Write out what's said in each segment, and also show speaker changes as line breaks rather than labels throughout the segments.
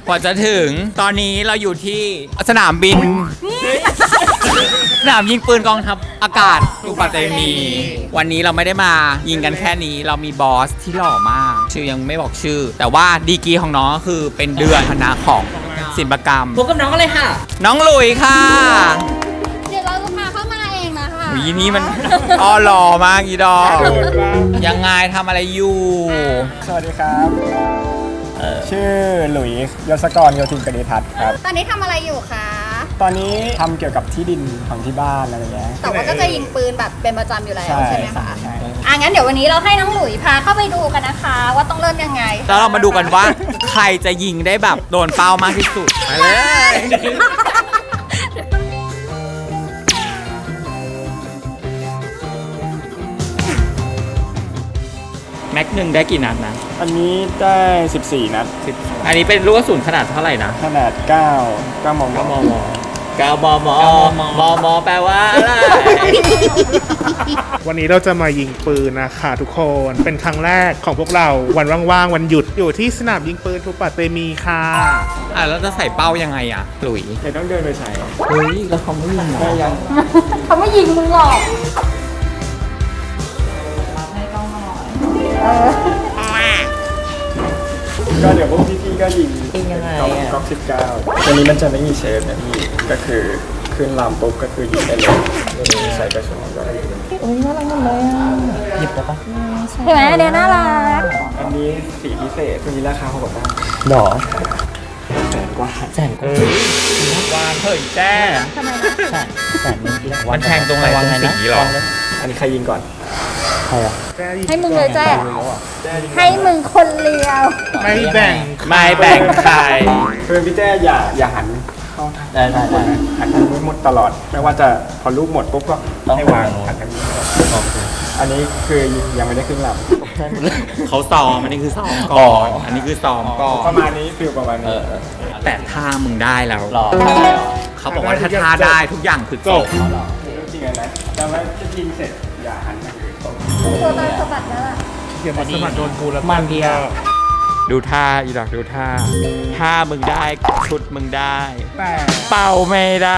กว่าจะถึงตอนนี้เราอยู่ที่สนามบิน สนามยิงปืนกองทัพอากาศทูปาเตมี วันนี้เราไม่ได้มายิงกันแค่นี้เรามีบอสที่หล่อมาก ชื่อยังไม่บอกชื่อ แต่ว่าดีกรีของน้องก็คือเป็นเดือนคณะของศิลปกรรม
พบกับน้องกันเลยค่ะ
น้องหลุยค่ะ
เดี๋ยวเราจะพาเข้ามาเองนะคะ
วีนี้มันอ้อหล่อมากอีดอกยังไงทำอะไรอยู่
สวัสดีครับ ชื่อหลุยส์ยศกรโยธินกนิทัศน์ครับ
ตอนนี้ทำอะไรอยู่คะ
ตอนนี้ทำเกี่ยวกับที่ดินของที่บ้านอะไรเงี้ย
แต่ว่าก็จะยิงปืนแบบเป็นประจำอยู่แล้ว
ใช่
ใช่ไหมคะ
ใช่
งั้นเดี๋ยววันนี้เราให้น้องหลุยพาเข้าไปดูกันนะคะ ว่าต้องเริ่มยังไง
แล้วเรามาดูกันว่าใครจะยิงได้แบบโดนเป้ามากที่สุดไปเลย แม็กหนึ่งได้กี่นัดนะ
อันนี้ได้ 14 นัด
อันนี้เป็นลูกกระสุนขนาดเท่าไหร่นะ
ขนาด9มม
9 มม 9 มม มม แปลว่าอะไร
วันนี้เราจะมายิงปืนนะคะทุกคนเป็นครั้งแรกของพวกเราวันว่างๆวันหยุดอยู่ที่สนามยิงปืนทูปาเตมีค่ะ
แล้วจะใส่เป้ายังไงอ่ะหลุย
เดี๋ยวต้องเดินไปใส่
เฮ้ย แล้วเขาไม่ยิงเหรอ
ได้ยัง
เขาไม่ยิงมึงหรอก
ก็เดี๋ยวพวกพี่ๆก็ยิงยังไงก๊อก19ตัวนี้มันจะไม่มีเซฟนะพี่ก็คือขึ้นลำปุ๊บก็คือยิงได้เลยใส่กระสุนก็ได้
หยิบได้ปะ
เห็นไหมเดี๋ยวน่ารัก
อันนี้สีพิเศษตัวนี้ราคา6,000 บาทหรอแสนกว่า
วางเผยแจ้
ทำไมนะ
มันแทงตรงไหนตรงสีหรอ
อันนี้ใครยิงก่อนใครอ่ะ
ให้มึงเลยแจ้ให้มึงคนเลียว
ไม่แบ่ง
ไม่แบ่งใคร
คือพี่แจ้อย่าหันเข้าได้หันทางนู้นหมดตลอดไม่ว่าจะพอลูกหมดปุ๊บก็ให้วางหันทางนี้อันนี้คือยังไม่ได้ขึ้นลำ
เขาซ้อมอันนี้คือซ้อมก่อน อันนี้คือซ้อมก่อน
ประมาณนี้ฟิลประมาณนี้
แต่ถ้ามึงได้แล้วเขาบอกว่าถ้าท่าได้ทุกอย่างคือจบ
จริงๆนะแต่ว่าจะยิงเสร็จอย่าหันทางอื่นตรง
ตัวตอนสะบัดนั่นแหละ
เดี๋ยวมาสมัครโดนกูแล้ว
มันเดียวดูท่าอีดอกดูท่าถ้ามึงได้ชุดมึงได้
แต่
เป่าไม่ได้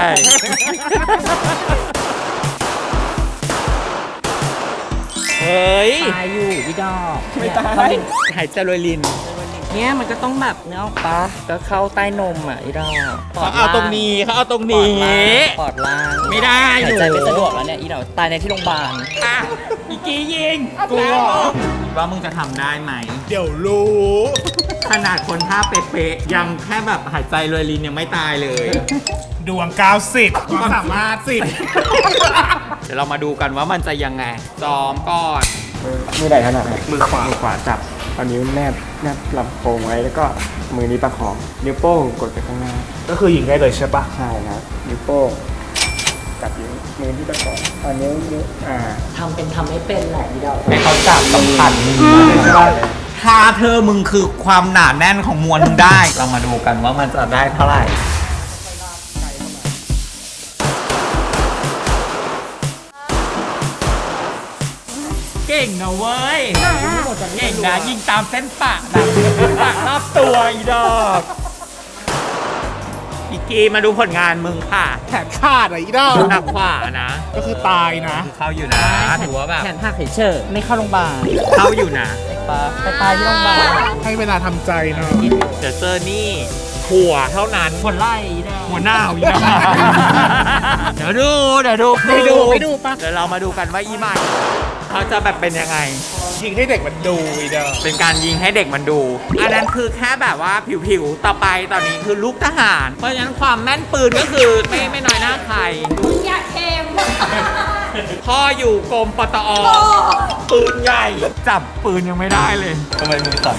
เฮ้ย
ตายอยู่พี่ดอก
ไม่ตาย
หายใจรวยลิน
เนี่ยมันก็ต้องแบบเนื้อออกปะก็เข้าใต้นมอ่ะพี่ดอก
เขาเอาตรงนี้เขาเอาตรงนี้
ปอดล่าง
ไม่ได้
หายใจไม่สะดวกแล้วเนี่ยอีดอกตายในที่โรงพยาบาล
อ่ะอีกี้ยิงกลัวว่ามึงจะทำได้ไหม
เดี๋ยวรู้
ขนาดคนท่าเป๊ะๆยังแค่แบบหายใจรวยลินยังไม่ตายเลย
ดวง 90ความสามารถ10
เดี๋ยวเรามาดูกันว่ามันจะยังไงซ้อมก่อน
มือไหนถนัดมือขวาจับเอานิ้วแนบลำโพงไว้แล้วก็มือนี้ประคองนิ้วโป้งกดไปข้างหน้า
ก็คือยิงได้เลยใช่ปะ
ใช่ครับนิ้วโป้งจับนิ้วมือที่ประคองเอานิ้ว
ทำไม่เป็นแหละพี่ดอก
ให้เขาจับสัมผัสถ้าเธอมึงคือความหนาแน่นของมวลมึงได้ เรามาดูกันว่ามันจะได้เท่าไหร่ เก่งนะเว้ย เก่งนะยิงตามเส้นปะนะปะรอบตัวอีดอกอีกีมาดูผลงานมึงค่ะ
แขนขาดอ่ะอีดอก
หนักขวานะ
ก็คือตายนะ
เข้าอยู่นะถือว่าแบบ
แขนหักเฉยๆไม่เข้าโรงพยาบาล
เข้าอยู่นะ
ไปตายที่โรงพยาบาล
ให้เวลาทำใจหน่อย
เดี๋ยวเจอนี่หัวเท่านั้น
คนไล่อีดอก
หัวหน้าอีกนะเดี๋ยวดูไปดูปะเดี๋ยวเรามาดูกันว่าอีมันเขาจะแบบเป็นยังไง
ยิงให้เด็กมันดูอีดอก
เป็นการยิงให้เด็กมันดู อันนั้นคือแค่แบบว่าผิวๆต่อไปตอนนี้คือลูกทหาร เพราะฉะนั้นความแม่นปืนก็คือไม่น้อยหน้าใคร
มึงอย่าเค็ม
พ่ออยู่กรมปตอปืนใหญ่ จับปืนยังไม่ได้เลยทำไมมือสั่น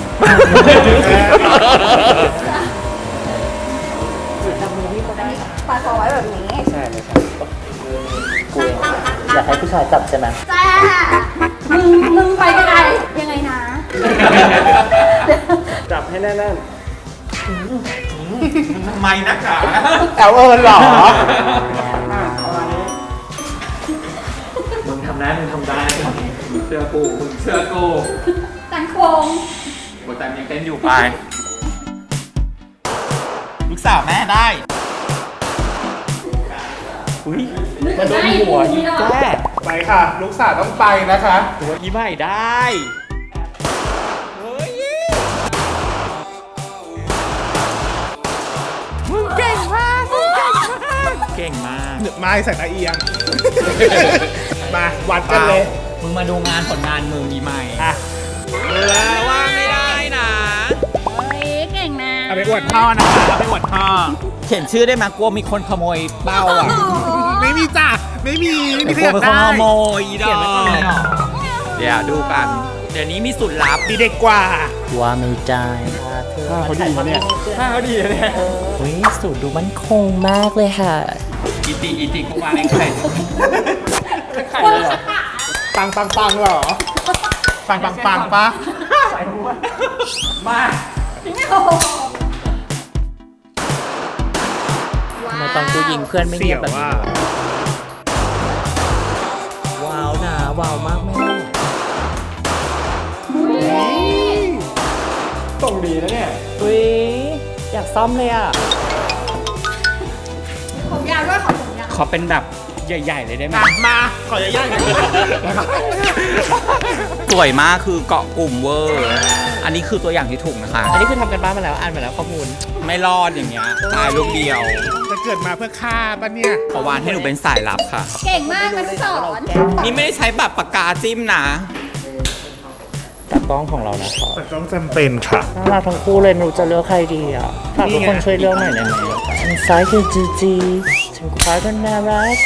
ปาดคอไว้แบบนี้
ใช่ไหมครับ
อยากให้ผู้ชายจับใช่ไหม
แจ้มึงไปไกลยังไงนะ
จับให้แน่น
ทำไมนักหนา
ๆแอลหรอประมาณนี้
มึงทำได้เชื่อกูมึงเชื่อกู
ตันโครง
บทแต่ยังเต้นอยู่ไปสาวแม่ได้อุ้ยมาโดนหัวอีกแจ้
ไปค่ะ ลูกสาวต้องไปนะคะ
ตัวอีใหม่ได้เฮ้ยมึงเก่งมากมึงเก่งมากเก่งมาก
ไม้ใส่ตาเอียง มาวัดกันเลย
มึงมาดูงานผลงานมึงอีใหม่
อ่ะ
ว่าไม่ได้นะ
เฮ้ยเก่งนะ
เอาไปอวดพ่อนะคะเอาไปอวดพ่อ
เขียนชื่อได้ไหมกลัวมีคนขโมยเป้าอ่ะ
ไม่มีจ้ะไม่มีไม่มี
ก
ใคร
ลัว
อยาก
เป็นคน
ได้
ขโมยอีดอกเดี๋ยวดูกัน เดี๋ยวนี้มีสูตรลับ
ดีเด็กกว่า
ว่าไม่ได้ค่ะเธอ
ถ้าเขาดีนะเนี่ยถ้าเขาดีนะเนี่ย
เฮ้ยสูตรดูมั่นคงมากเลยค่ะ
อีติกูมาในไข่
ปังปังปังเหรอ ปังปังปังปะ
มา
ทำไมตอนกูยิงเพื่อนไม่
เสี่
เงี
ย
ยว บแบบ
ว่า
นี้ว้าวนะว้าวมากแม่
ตรงดีนะเนี่ย
อุ้ยอยากซ่อมเลยอ่ะ
ผมยาวด้วยขอผมยาว
ขอเป็นแบบใหญ่ๆเลยได้ไหม
มาขออย่าย่างกัน
สวยมากคือเกาะกลุ่มเวอร์ อันนี้คือตัวอย่างที่ถูกนะคะ
อันนี้คือทำกันบ้านมาแล้วอ่านมาแล้วข้อมูล
ไม่รอดอย่างเงี้ยตายลูกเดียว
จะเกิดมาเพื่อฆ่าปะเนี่ย
ขอวานให้หนูเป็นสายลับค่ะ
เก่งมากมันสอน
นี่ไม่ได้ใช้แบบปากกาจิ้มนะ
จากกล้องของเรานะคะ
แต่ต้องจำเป็นค่ะ
น่ารักทั้งคู่เลยไม่รู้จะเลือกใครดีอ่ะฝากทุกคนช่วยเลือกหน่อยได้ไหมทางซ้ายคือจีจีทางขวาก็น่ารัก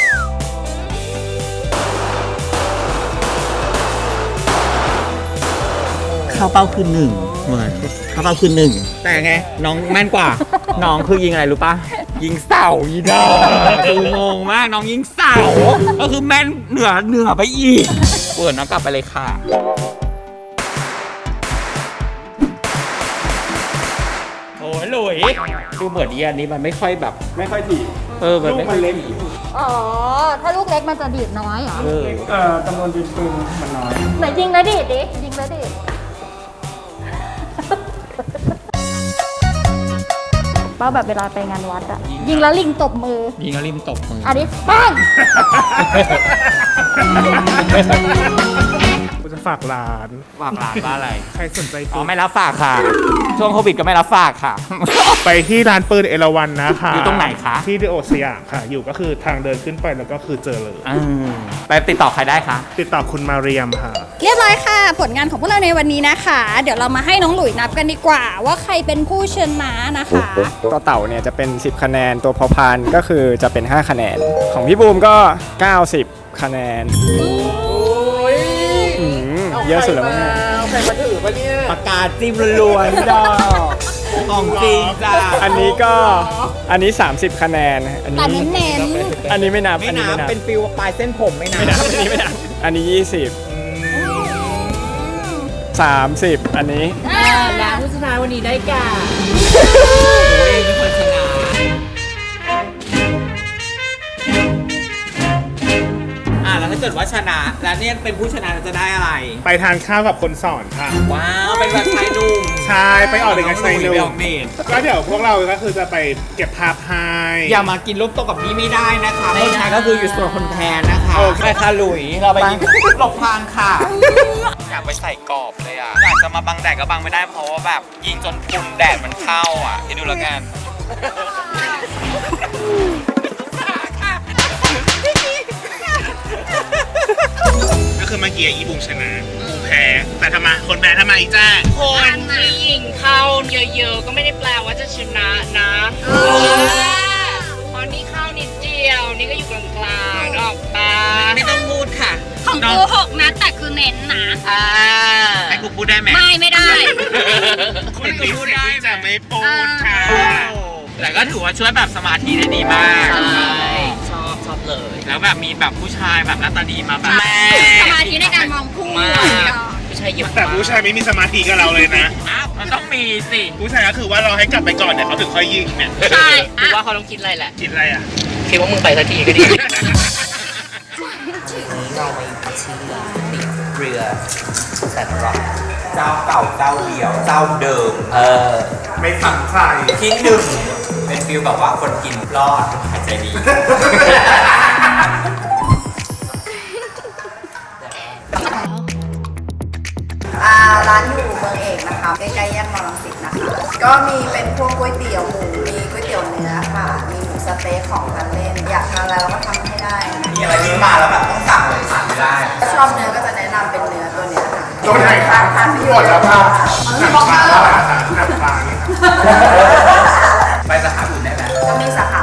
เข้าเป้าคือหนึ่งเหมือนเข้าเป้าคือหนึ่งแต่ไงน้องแม่นกว่า น้องคือยิงอะไรรู้ปะยิงเสาอีดอกคืองงมากน้องยิงเสาก็คือแม่นเหนือไปอีกเปิดน้องกลับไปเลยค่ะโอ้ยหลุยดูเหมือนอีอันนี้มันไม่ค่อยแบบ
ไม่ค่อยถี่
มัน
ลู
ไม่
ก
ค่
มั
อย
นเล็ก
อ๋อ ถ้าลูกเล็กมันจะดีดน้อยเหรอ
จำนวนดินปืนมันน้อย
ไหนยิงแล้วดีดดิ ยิงแล้วดีดเป้าแบบเวลาไปงานวัดอะยิงแล้วลิงตบมือ
ยิงแล้วริมตบมือ
อันนี้ปัง
กูจะฝากร้าน
ฝากร้านว่าอะไร
ใครสนใจ
อ๋
ปื
อน ไม่รับฝากค่ะ ช่วงโควิดก็ไม่รับฝากค่ะ
ไปที่ร้านปืนเอราวัณนะคะ
อยู่ตรงไหนคะ
ที่ดิโอสยามค่ะ อยู่ก็คือทางเดินขึ้นไปแล้วก็คือเจอเลย
ไปติดต่อใครได้คะ
ติดต่อคุณมาเรียมค่ะ
เรียบร้อยค่ะ ผลงานของพวกเราในวันนี้นะคะ เดี๋ยวเรามาให้น้องหลุยนับกันดีกว่า ว่าใครเป็นผู้ชนะนะคะ
ตัวเต่าเนี่ยจะเป็น 10 คะแนน ตัวพอพานก็คือจะเป็น 5 คะแนน ของพี่บูมก็ 90 คะแนนเยอะสุดแล้วมั้งเนี่ย
ใครมาถือปะเนี่ย
ปากกาจิ้มล้วนๆดอกของจริงจ้า
อันนี้ 30 คะแนน อัน
แต่
นี้
เน้น
อันนี้ไม่นับ
ไม่
อันนี้
นับ
ไม่นับ
เป็นฟิวปลายเส้นผมไม่นับ
ไม่นับอันนี้ไม่นับอันนี้ 20 30 อันนี้
และผู้ชนะวันนี้ได้แก่
โอ้ยเป็นคนชนะแล้วถ้าเกิดว่าชนะ แล้วเนี่ยเป็นผู้ชนะจะได้อะไร
ไปทานข้าวกับคนสอนค่ะ
ว้าว เป็นแบบชายหนุ่ม
ใช่ไปออกเด็กกับชายหนุ่
ไปอ
ม
อกเดท
ก็เดี๋ยวพวกเราก็คือจะไปเก็บภาพให้
อย่ามากินรูปโต๊ะกับพี่ไม่ได้นะคะผู้ชายก็คืออยู่ส่วนคนแทนนะคะ
โอเค
ไปค่ะหลุย เราไปยิงหลบพรางค่ะ อยากไปใส่กรอบเลยอ่ะ อยากจะมาบังแดดก็บังไม่ได้เพราะว่าแบบยิงจนฝุ่นแดดมันเข้าอ่ะคิดดูแล้วกัน
ก็คือเมื่อกี้อีบุมชนะบูมแพ้แต่ทำไมคนแพ้ทำไมจ้า
คนที่ยิงเข้าเยอะๆก็ไม่ได้แปลว่าจะชนะนะเพราะนี่เข้านิดเดียว นี่ก็อยู่กลางๆออกตา
ไม่ต้องพูดค่ะ
ของกู6 นัดแต่คือเน้นนะ
ให้กูพูดได้ไหม
ไม่ได้
คนที่พูดได้จะไม่พูดค่ะ
แต่ก็ถือว่าช่วยแบบสมาธิได้ดีมาก
ชอบเลย
แล้วแบบมีแบบผู้ชายแบบหน้าตาดีมาแบบ
สมาธิในการมองผู้
ผู้ชายเยอะ
แต่ผู้ชายไม่มีสมาธิกับเราเลยนะ
อ้าวมันต้องมีสิ
ผู้ชายก็คือว่าเราให้กลับไปก่อนเดี๋ยวเขาถึงค่อยยิงเนี่ย
ใช่
กูว่าเขาต้องคิดอะไรแหละ
คิดอะไรอ่ะ
คิดว่ามึงไปสักทีก็ดี เราไปที่ติดเรือแซนร็อก
เจ้าเก่าเจ้าเดียวเจ้าเดิม
ไม่สั่งใคร
ที่หนึ่งเป็นฟิลแบบว่าคนกินรอดหายใจดี
ร้านอยู่เมืองเอกนะคะใกล้ๆแยกมอลังสิตนะคะก็มีเป็นพวกก๋วยเตี๋ยวหมูมีก๋วยเตี๋ยวเนื้อค่ะมีหมูสะเต๊กของทานเล่นอยากทานอะไรเราก็ทำให้ได้นะ
มีอะไรที่มาแล้วแบบต้องสั่งเลยสั่งไม่ได้
ถ้าชอบเนื้อก็จะแนะนำเป็นเนื้อตัวเนี้ยค่ะ
ตัวไหนครับ
ทานที่
หมดแล้วครับหนักปลาแล้วหนักปลา
ไปสาขาอื่นได้ไหม
ก็มีสาขา